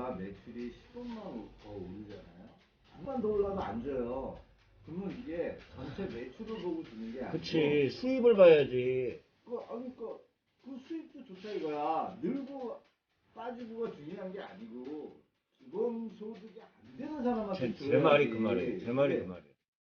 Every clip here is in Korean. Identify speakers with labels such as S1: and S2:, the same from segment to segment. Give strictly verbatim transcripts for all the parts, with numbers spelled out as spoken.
S1: 다 매출이 십억만 더 오르잖아요. 십만 더 올라도 안 줘요. 그러면 이게 전체 매출을 보고 주는 게 아니고.
S2: 그치, 수입을 봐야지.
S1: 그, 아니, 그, 그 수입도 좋다 이거야. 늘고 빠지고가 중요한 게 아니고, 기본 소득이 안 되는 사람한테
S2: 제,
S1: 줘야지.
S2: 제 말이 그 말이에요. 제 말이 그 말이에요.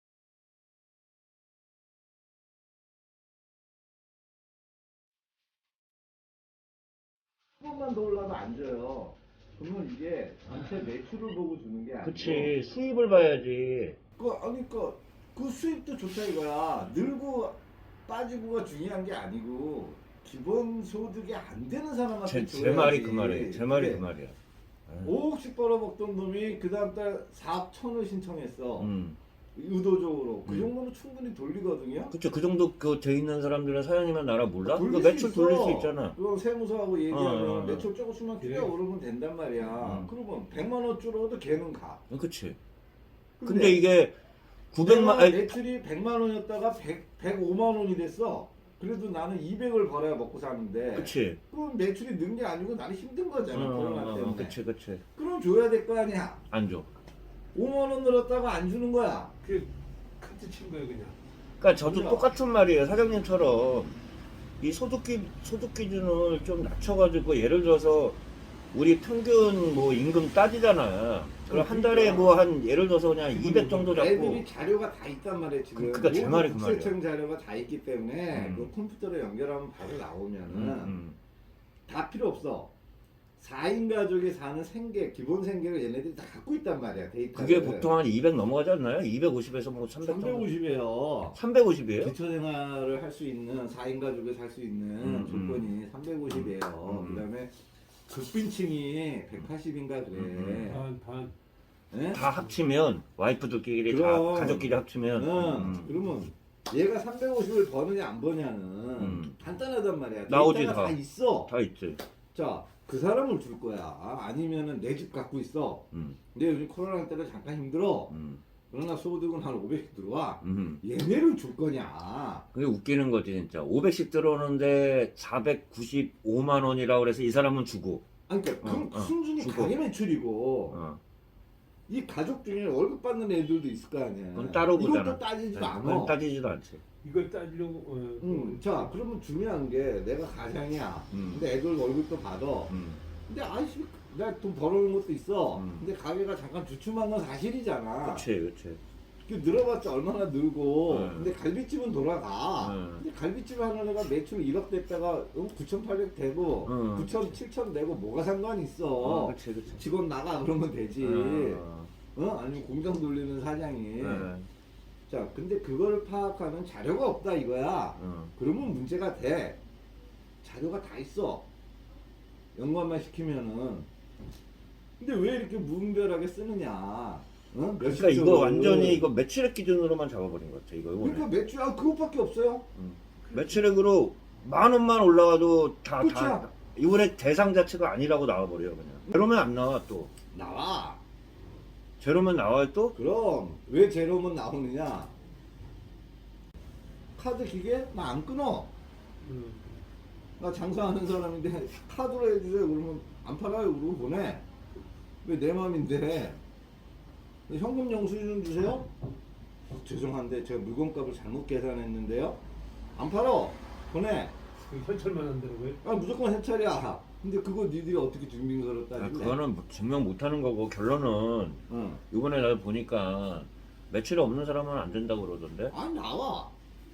S1: 십억만 더 올라도 안 줘요. 그러면 이게 전체 매출을 보고 주는 게 아니고.
S2: 그치, 수입을 봐야지.
S1: 그, 아니, 그, 그 수입도 좋다 이거야. 늘고 빠지고가 중요한 게 아니고, 기본 소득이 안 되는 사람한테
S2: 제,
S1: 줘야지.
S2: 제 말이 그 말이에요. 제 말이
S1: 그래.
S2: 그 말이야.
S1: 오억씩 벌어먹던 놈이 그 다음 달 사억 천을 신청했어.
S2: 음.
S1: 의도적으로. 그
S2: 음.
S1: 정도면 충분히 돌리거든요.
S2: 그쵸, 그 정도 그 돼 있는 사람들은 사장님은 나라 몰라?
S1: 돌릴
S2: 그
S1: 수
S2: 매출
S1: 있어.
S2: 돌릴 수 있잖아.
S1: 그럼 세무서하고 얘기하면
S2: 어, 어, 어.
S1: 매출 조금씩만
S3: 그래.
S1: 끼가 오르면 된단 말이야.
S2: 음.
S1: 그러면 백만 원 줄어도 걔는 가.
S2: 어, 그치.
S1: 근데,
S2: 근데 이게 구백만,
S1: 내가
S2: 아니,
S1: 매출이 백만 원이었다가 백, 백오만 원이 됐어. 그래도 나는 이백을 벌어야 먹고 사는데.
S2: 그치.
S1: 그럼 매출이 는 게 아니고 나는 힘든 거잖아.
S2: 어,
S1: 코로나
S2: 어,
S1: 때문에.
S2: 어, 그치, 그치.
S1: 그럼 줘야 될 거 아니야.
S2: 안 줘.
S1: 오만 원 늘었다가 안 주는 거야.
S3: 그 카트 친 거예요 그냥.
S2: 그러니까 저도
S1: 그죠?
S2: 똑같은 말이에요. 사장님처럼 이 소득 기 소득 기준을 좀 낮춰가지고 예를 들어서 우리 평균 뭐 임금 따지잖아. 그럼 한 달에 뭐 한 예를 들어서 그냥 이백 정도 잡고.
S1: 애들이 자료가 다 있단 말이에요 지금.
S2: 그- 그러니까 제 말이 그 말이야.
S1: 국세청 자료가 다 있기 때문에
S2: 음.
S1: 그 컴퓨터로 연결하면 바로 나오면은
S2: 음, 음.
S1: 다 필요 없어. 사 인 가족이 사는 생계, 기본 생계를 얘네들이 다 갖고 있단 말이야 데이터를.
S2: 그게 보통 한 이백 넘어가지 않나요? 이백오십에서 뭐 삼백 정도.
S1: 삼백오십이에요.
S2: 삼백오십이에요?
S1: 기초생활을 할 수 있는 사 인 가족이 살 수 있는
S2: 음,
S1: 조건이 삼백오십이에요.
S2: 음.
S1: 그다음에 극빈층이 백팔십인가 그래.
S2: 음,
S3: 반 반.
S1: 예?
S2: 다 합치면 와이프들끼리
S1: 그럼.
S2: 다 가족끼리 합치면
S1: 응.
S2: 음.
S1: 그러면 얘가 삼백오십을 버느냐 안 버냐는
S2: 음.
S1: 간단하단 말이야.
S2: 나오지,
S1: 데이터가
S2: 다.
S1: 다 있어.
S2: 다 있지.
S1: 자, 그 사람을 줄 거야. 아니면은 내 집 갖고 있어.
S2: 음,
S1: 근데 요즘 코로나 때문에 잠깐 힘들어.
S2: 음,
S1: 그러나 소득은 한 오백씩 들어와.
S2: 음.
S1: 얘네를 줄 거냐?
S2: 그게 웃기는 거지 진짜. 오백씩 들어오는데 사백구십오만 원이라고 그래서 이 사람은 주고.
S1: 아니, 그러니까 그럼
S2: 어, 어,
S1: 순전히
S2: 주고.
S1: 가계 매출이고
S2: 어.
S1: 이 가족 중에 월급 받는 애들도 있을 거 아니야.
S2: 그건 따로
S1: 이것도
S2: 보잖아.
S1: 따지지도
S2: 네,
S1: 않아.
S2: 그건 따지지도 않지.
S3: 이걸 따지려고. 어,
S1: 음, 자, 그러면 중요한 게 내가 가장이야.
S2: 음.
S1: 근데 애들 월급도 받아.
S2: 음.
S1: 근데 아이씨, 내가 돈 벌어오는 것도 있어.
S2: 음.
S1: 근데 가게가 잠깐 주춤한 건 사실이잖아.
S2: 그치, 그치.
S1: 그 늘어봤자 얼마나 늘고.
S2: 음.
S1: 근데 갈비집은 돌아가.
S2: 음.
S1: 근데 갈비집 하는 애가 매출 일억 됐다가 구천팔백 되고
S2: 음.
S1: 구천, 칠천 되고 뭐가 상관이 있어.
S2: 어, 그치, 그치.
S1: 직원 나가 그러면 되지.
S2: 어,
S1: 어? 아니면 공장 돌리는 사장이.
S2: 어,
S1: 자, 근데 그거를 파악하는 자료가 없다 이거야.
S2: 어.
S1: 그러면 문제가 돼. 자료가 다 있어. 연관만 시키면은. 근데 왜 이렇게 무분별하게 쓰느냐? 어?
S2: 그러니까
S1: 몇십조를.
S2: 이거 완전히 이거 매출액 기준으로만 잡아버린 것 같아, 이거. 이번에.
S1: 그러니까 매출, 아, 그것밖에 없어요.
S2: 매출액으로 만 원만 올라가도 다, 다,
S1: 끝이야.
S2: 이번에 대상 자체가 아니라고 나와버려요, 그냥. 제로면 안 나와, 또.
S1: 나와.
S2: 제로면 나와요, 또?
S1: 그럼 왜 제로면 나오느냐? 카드 기계 나 안 끊어.
S3: 음.
S1: 나 장사하는 사람인데 카드로 해주세요. 그러면 안 팔아요. 그러고 보내. 왜 내 맘인데? 현금 영수증 주세요? 어, 죄송한데 제가 물건값을 잘못 계산했는데요. 안 팔어. 보내.
S3: 그 현찰만 한다고요?
S1: 아 무조건 해찰이야. 근데 그거 니들이 어떻게 증빙서를
S2: 아,
S1: 따질래?
S2: 그거는 뭐 증명 못하는 거고, 결론은
S1: 응.
S2: 이번에 나 보니까 매출이 없는 사람은 안 된다고 그러던데.
S1: 아 나와.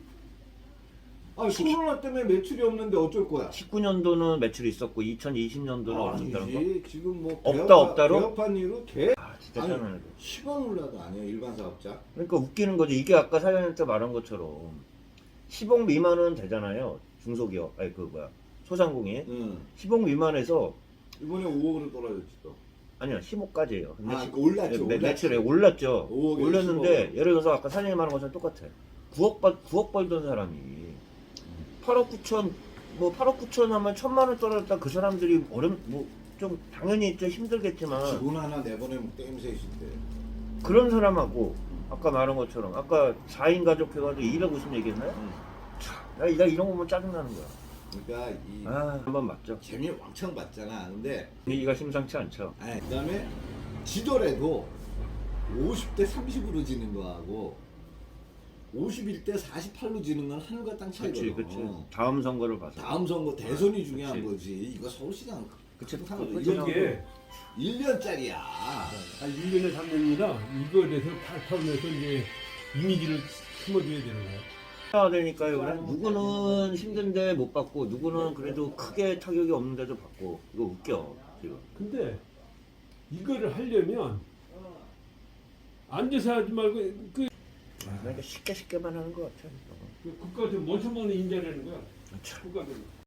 S1: 아 코로나 때문에 매출이 없는데 어쩔 거야?
S2: 십구 년도는 매출이 있었고 이천이십 년도는 없었다는 거.
S1: 아니지. 지금 뭐
S2: 없다,
S1: 개업하-
S2: 없다로?
S1: 개업한 이후로 개
S2: 아, 진짜
S1: 아니,
S2: 짜증나네.
S1: 십 원 올라도 아니에요 일반 사업자.
S2: 그러니까 웃기는 거지. 이게 아까 사장님한테 말한 것처럼 십억 미만은 되잖아요. 중소기업, 아니 그 뭐야 소상공인.
S1: 응.
S2: 십억 미만에서
S1: 이번에 오억으로 떨어졌지 또.
S2: 아니요 십억까지예요. 근데
S1: 아
S2: 시-
S1: 올랐죠.
S2: 매,
S1: 올랐죠.
S2: 매출에 올랐죠.
S1: 오억에
S2: 올렸는데
S1: 십억.
S2: 예를 들어서 아까 사장님 말한 것처럼 똑같아. 구억 벌 구억 벌던 사람이 팔억 구천 뭐 팔억 구천 하면 천만 원 떨어졌다. 그 사람들이 어렵 뭐 좀 당연히 좀 힘들겠지만
S1: 직원 하나 내보내면 땜셋인데.
S2: 그런 사람하고 아까 말한 것처럼 아까 사 인 가족 해가지고 이백오십 얘기했나요?
S1: 응.
S2: 나, 나 이런 거면 짜증나는 거야.
S1: 그러니까 이
S2: 아, 한번 맞죠.
S1: 재미 왕창 봤잖아. 근데
S2: 분위기가 심상치 않죠.
S1: 아니, 그다음에 지더라도 오십 대 삼십으로 지는 거하고 오십일 대 사십팔로 지는 건 하늘과 땅
S2: 그렇지,
S1: 차이거든.
S2: 그렇지. 다음 선거를 봐서.
S1: 다음 선거 대선이 중요한
S2: 그치.
S1: 거지. 이거 서울시장
S2: 그치,
S1: 항상
S2: 그거
S1: 이거
S3: 이게
S1: 일 년짜리야.
S3: 한 일 년에 삼 년이라 이거에 대해서 탈타면서 이제 이미지를 심어줘야 되는 거야.
S2: 해야 되니까요. 그래. 누구는 힘든데 못 받고, 누구는 그래도 크게 타격이 없는데도 받고. 이거 웃겨 지금.
S3: 근데 이거를 하려면 앉아서 하지 말고 그,
S2: 그러니까 쉽게 쉽게만 하는 것 같아.
S3: 그 국가 좀 모셔먹는 인재라는 거야.
S2: 참.
S3: 국가는.